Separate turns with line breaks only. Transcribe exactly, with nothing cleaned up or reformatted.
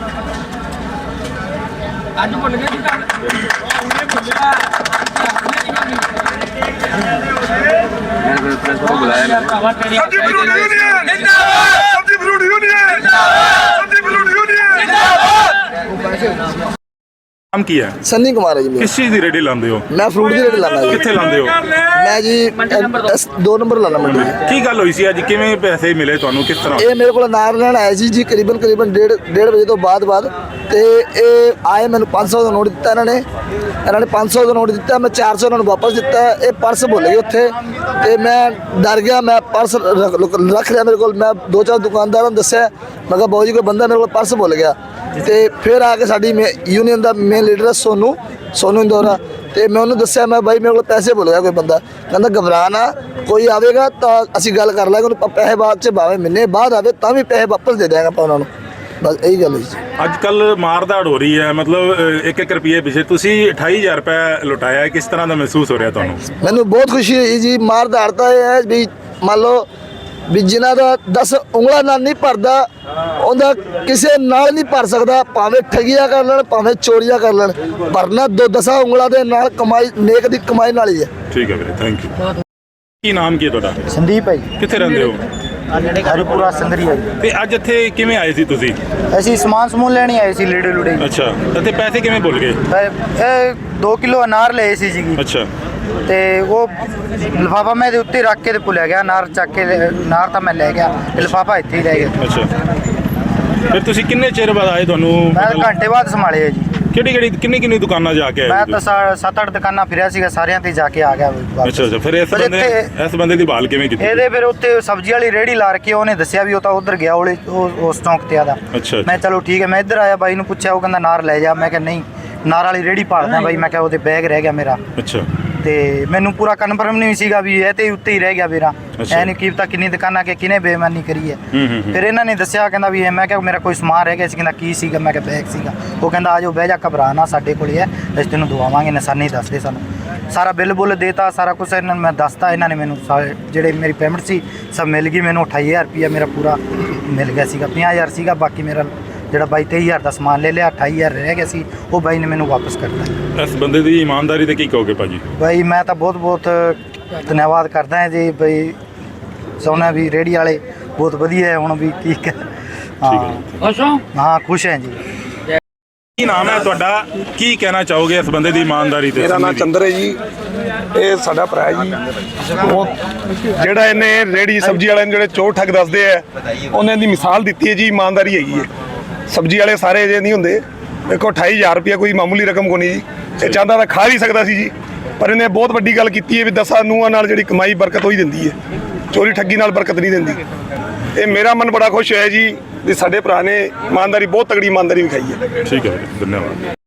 ਅੱਜ ਭੁੱਲ ਗਏ ਜੀ ਉਹਨੇ ਭੁੱਲਿਆ
मैंने प्रेस को बुलाया
सब्जी फ्रूट यूनियन जिंदाबाद, सब्जी फ्रूट यूनियन जिंदाबाद, सब्जी फ्रूट यूनियन जिंदाबाद।
नाम की है
सन्नी कुमार है जी।
किस चीज़ की रेडी लाते हो?
मैं फ्रूट की रेडी लाना जी।
कित्थे लाते हो?
मैं जी दस दो नंबर लाना मंडी।
की गल हुई सी अज किवें पैसे मिले तुहानू किस तरह?
ये मेरे को नार लेना आया जी जी करीबन करीबन डेढ़ डेढ़ बजे तो बाद बाद ते ये आए मैंने पाँच सौ का नोट दिता इन्होंने इन्होंने पाँच सौ का नोट दिता मैं चार सौ इन्होंने वापस दिता ये पर्स भुल गए उत्थे ते मैं डर गया मैं पर्स रख रख लिया मेरे को मैं दो चार दुकानदारों ने दस्या मैं कहा बाबू जी कोई बंदा मेरे को पर्स भुल गया ते फिर आके साडी यूनियन का मेन लीडर है सोनू सोनू इंदौरा ते मैं उन्होंने दस्या मैं भाई मेरे को पैसे भुल गया कोई बंदा कहता घबरा ना कोई आवेगा तो असी गल कर लांगे पैसे बाद च भावें महीने बाद आवे तां भी पैसे वापस दे देंगे ਆਪਾਂ ਉਹਨਾਂ ਨੂੰ बस यही गल है।
ਅੱਜ ਕੱਲ ਮਾਰਦਾੜ ਹੋ ਰਹੀ ਹੈ ਮਤਲਬ ਇੱਕ ਇੱਕ ਰੁਪਏ ਪਿੱਛੇ ਤੁਸੀਂ ਅਠਾਈ ਹਜ਼ਾਰ ਰੁਪਏ ਲੁਟਾਇਆ ਕਿਸ ਤਰ੍ਹਾਂ ਦਾ ਮਹਿਸੂਸ ਹੋ ਰਿਹਾ ਤੁਹਾਨੂੰ?
ਮੈਨੂੰ ਬਹੁਤ ਖੁਸ਼ੀ ਹੋਈ ਜੀ ਮਾਰਦਾੜ ਤਾਂ ਇਹ ਹੈ ਵੀ ਮੰਨ ਲਓ ਵੀ ਜਿਨ੍ਹਾਂ ਦਾ ਦਸ ਉਂਗਲਾਂ ਨਾਲ ਨਹੀਂ ਭਰਦਾ ਉਹਦਾ ਕਿਸੇ ਨਾਲ ਨਹੀਂ ਭਰ ਸਕਦਾ ਭਾਵੇਂ ਠਗੀਆਂ ਕਰ ਲੈਣ ਭਾਵੇਂ ਚੋਰੀਆਂ ਕਰ ਲੈਣ ਭਰਨਾ ਦੋ ਦਸਾਂ ਉਂਗਲਾਂ ਦੇ ਨਾਲ ਕਮਾਈ ਨੇਕ ਦੀ ਕਮਾਈ ਨਾਲ ਹੀ ਹੈ।
ਠੀਕ ਹੈ ਵੀਰੇ ਥੈਂਕ ਯੂ। ਕੀ ਨਾਮ ਕੀ ਹੈ ਤੁਹਾਡਾ?
ਸੰਦੀਪ ਹੈ ਜੀ।
ਕਿੱਥੇ ਰਹਿੰਦੇ ਹੋ?
ਹਰੀਪੁਰਾ ਸੰਗਰੀ ਹੈ ਜੀ।
ਤੇ ਅੱਜ ਇੱਥੇ ਕਿਵੇਂ ਆਏ ਸੀ ਤੁਸੀਂ?
ਅਸੀਂ ਸਮਾਨ ਸਮੂਨ ਲੈਣੀ ਆਏ ਸੀ ਲੀੜੇ ਲੁੜੇ।
ਅੱਛਾ ਤੇ ਪੈਸੇ ਕਿਵੇਂ ਭੁੱਲ ਗਏ?
ਇਹ ਦੋ ਕਿਲੋ ਅਨਾਰ ਲਏ ਸੀ ਜੀ।
ਅੱਛਾ
ਤੇ ਉਹ ਲਿਫਾਫਾ ਮੈਂ ਦੇ ਉੱਤੇ ਰੱਖ ਕੇ ਤੇ ਭੁੱਲਿਆ ਗਿਆ ਅਨਾਰ ਚੱਕ ਕੇ ਅਨਾਰ ਤਾਂ ਮੈਂ ਲੈ ਗਿਆ ਲਿਫਾਫਾ ਇੱਥੇ ਹੀ ਰਹਿ ਗਿਆ।
ਅੱਛਾ ਫਿਰ ਤੁਸੀਂ ਕਿੰਨੇ ਚਿਰ ਬਾਅਦ ਆਏ? ਤੁਹਾਨੂੰ
ਮੈਂ ਘੰਟੇ ਬਾਅਦ ਸੰਭਾਲਿਆ ਜੀ।
ਕਿਹੜੀ ਕਿਹੜੀ ਕਿੰਨੀ ਕਿੰਨੀ ਦੁਕਾਨਾਂ ਜਾ ਕੇ ਆਏ?
ਮੈਂ ਤਾਂ ਸਾ- ਸੱਤ ਅੱਠ ਦੁਕਾਨਾਂ ਫਿਰਿਆ ਸੀਗਾ ਸਾਰਿਆਂ ਤੇ ਜਾ ਕੇ ਆ ਗਿਆ ਵਾਪਸ।
ਅੱਛਾ ਅੱਛਾ ਫਿਰ ਇਸ
ਪਰ
ਬੰਦੇ
ਇੱਥੇ-
ਇਸ ਬੰਦੇ ਦੀ ਭਾਲ ਕਿਵੇਂ ਕੀਤੀ?
ਇਹਦੇ ਫਿਰ ਉੱਤੇ ਸਬਜ਼ੀ ਵਾਲੀ ਰੇਹੜੀ ਲਾ ਰੱਖੀ ਉਹਨੇ ਦੱਸਿਆ ਵੀ ਉਹ ਤਾਂ ਉਧਰ ਗਿਆ ਉਹਲੇ ਉਹ ਉਸ ਚੌਂਕ ਤੇ ਆਦਾ।
ਅੱਛਾ
ਮੈਂ ਚਲੋ ਠੀਕ ਹੈ ਮੈਂ ਇੱਧਰ ਆਇਆ ਬਾਈ ਨੂੰ ਪੁੱਛਿਆ ਉਹ ਕਹਿੰਦਾ ਨਾਰ ਲੈ ਜਾ ਮੈਂ ਕਿਹਾ ਨਹੀਂ ਨਾਰ ਵਾਲੀ ਰੇਹੜੀ ਭਾਲਦਾ ਬਾਈ ਮੈਂ ਕਿਹਾ ਉਹਦੇ ਬੈਗ ਰਹਿ ਗਿਆ ਮੇਰਾ
ਅੱਛਾ
ਤੇ ਮੈਨੂੰ ਪੂਰਾ ਕਨਫਰਮ ਨਹੀਂ ਸੀਗਾ ਵੀ ਇਹ ਤੇ ਉੱਤੇ ਹੀ ਰਹਿ ਗਿਆ ਵੀਰਾ
ਅੱਛਾ।
ਐ ਨਹੀਂ ਕੀ ਪਤਾ ਕਿੰਨੀ ਦੁਕਾਨਾਂ ਕੇ ਕਿਨੇ ਬੇਈਮਾਨੀ ਕਰੀ ਹੈ।
ਹੂੰ ਹੂੰ ਹੂੰ।
ਫਿਰ ਇਹਨਾਂ ਨੇ ਦੱਸਿਆ ਕਹਿੰਦਾ ਵੀ ਇਹ ਮੈਂ ਕਿਹਾ ਮੇਰਾ ਕੋਈ ਸਮਾਨ ਰਹਿ ਗਿਆ ਸੀ ਕਹਿੰਦਾ ਕੀ ਸੀਗਾ ਮੈਂ ਕਿਹਾ ਬੈਗ ਸੀਗਾ ਉਹ ਕਹਿੰਦਾ ਆ ਜਾਓ ਬਹਿ ਜਾ ਘਬਰਾ ਨਾ ਸਾਡੇ ਕੋਲ ਹੀ ਹੈ ਅਸੀਂ ਤੈਨੂੰ ਦਵਾਵਾਂਗੇ ਨਿਸ਼ਾਨੀ ਦੱਸ ਦੇ ਸਾਨੂੰ ਸਾਰਾ ਬਿੱਲ ਬੁੱਲ ਦੇਤਾ ਸਾਰਾ ਕੁਝ ਇਹਨਾਂ ਨੂੰ ਮੈਂ ਦੱਸਤਾ ਇਹਨਾਂ ਨੇ ਮੈਨੂੰ ਸਾਰੇ ਜਿਹੜੇ ਮੇਰੀ ਪੇਮੈਂਟ ਸੀ ਸਭ ਮਿਲ ਗਈ ਮੈਨੂੰ ਅਠਾਈ ਹਜ਼ਾਰ ਰੁਪਈਆ ਮੇਰਾ ਪੂਰਾ ਮਿਲ ਗਿਆ ਸੀਗਾ ਪੰਜਾਹ ਹਜ਼ਾਰ ਸੀਗਾ ਬਾਕੀ ਮੇਰਾ ਜਿਹੜਾ ਬਾਈ ਤੇਈ ਹਜ਼ਾਰ ਦਾ ਸਮਾਨ ਲੈ ਲਿਆ ਅਠਾਈ ਹਜ਼ਾਰ ਰਹਿ ਗਿਆ ਸੀ ਉਹ ਬਾਈ ਨੇ ਮੈਨੂੰ ਵਾਪਸ ਕਰਤਾ।
ਇਸ ਬੰਦੇ ਦੀ ਇਮਾਨਦਾਰੀ ਤੇ ਕੀ ਕਹੋਗੇ ਭਾਜੀ?
ਬਾਈ ਮੈਂ ਤਾਂ ਬਹੁਤ ਬਹੁਤ ਧੰਨਵਾਦ ਕਰਦਾ ਹਾਂ ਜੀ ਬਈ ਸੋਨਾ ਵੀ ਰੇਹੜੀ ਵਾਲੇ ਬਹੁਤ ਵਧੀਆ ਹੈ ਹੁਣ ਵੀ ਠੀਕ ਹੈ। ਹਾਂ
ਖੁਸ਼ ਹੋ?
ਹਾਂ ਖੁਸ਼ ਹਾਂ ਜੀ।
ਕੀ ਨਾਮ ਹੈ ਤੁਹਾਡਾ? ਕੀ ਕਹਿਣਾ ਚਾਹੋਗੇ ਇਸ ਬੰਦੇ ਦੀ ਇਮਾਨਦਾਰੀ ਤੇ?
ਮੇਰਾ ਨਾਮ ਚੰਦਰ ਹੈ ਜੀ। ਇਹ ਸਾਡਾ ਭਰਾ ਜੀ ਉਹ ਜਿਹੜਾ ਇਹਨੇ ਰੇੜੀ ਸਬਜ਼ੀ ਵਾਲਿਆਂ ਨੂੰ ਜਿਹੜੇ ਚੋਰ ਠੱਗ ਦੱਸਦੇ ਆ ਉਹਨਾਂ ਦੀ ਮਿਸਾਲ ਦਿੱਤੀ ਹੈ ਜੀ ਇਮਾਨਦਾਰੀ ਹੈਗੀ ਹੈ। ਸਬਜ਼ੀ ਵਾਲੇ ਸਾਰੇ ਅਜੇ ਨਹੀਂ ਹੁੰਦੇ ਦੇਖੋ ਅਠਾਈ ਹਜ਼ਾਰ ਰੁਪਇਆ ਕੋਈ ਮਾਮੂਲੀ ਰਕਮ ਕੋ ਨਹੀਂ ਜੀ। ਇਹ ਚਾਹੁੰਦਾ ਤਾਂ ਖਾ ਵੀ ਸਕਦਾ ਸੀ ਜੀ ਪਰ ਇਹਨੇ ਬਹੁਤ ਵੱਡੀ ਗੱਲ ਕੀਤੀ ਹੈ ਵੀ ਦਸਾਂ ਨੂੰਹਾਂ ਨਾਲ ਜਿਹੜੀ ਕਮਾਈ ਬਰਕਤ ਹੋਈ ਦਿੰਦੀ ਹੈ ਚੋਰੀ ਠੱਗੀ ਨਾਲ ਬਰਕਤ ਨਹੀਂ ਦਿੰਦੀ। ਇਹ ਮੇਰਾ ਮਨ ਬੜਾ ਖੁਸ਼ ਹੋਇਆ ਜੀ ਵੀ ਸਾਡੇ ਭਰਾ ਨੇ ਇਮਾਨਦਾਰੀ ਬਹੁਤ ਤਗੜੀ ਇਮਾਨਦਾਰੀ ਵਿਖਾਈ ਹੈ।
ਠੀਕ ਹੈ ਧੰਨਵਾਦ।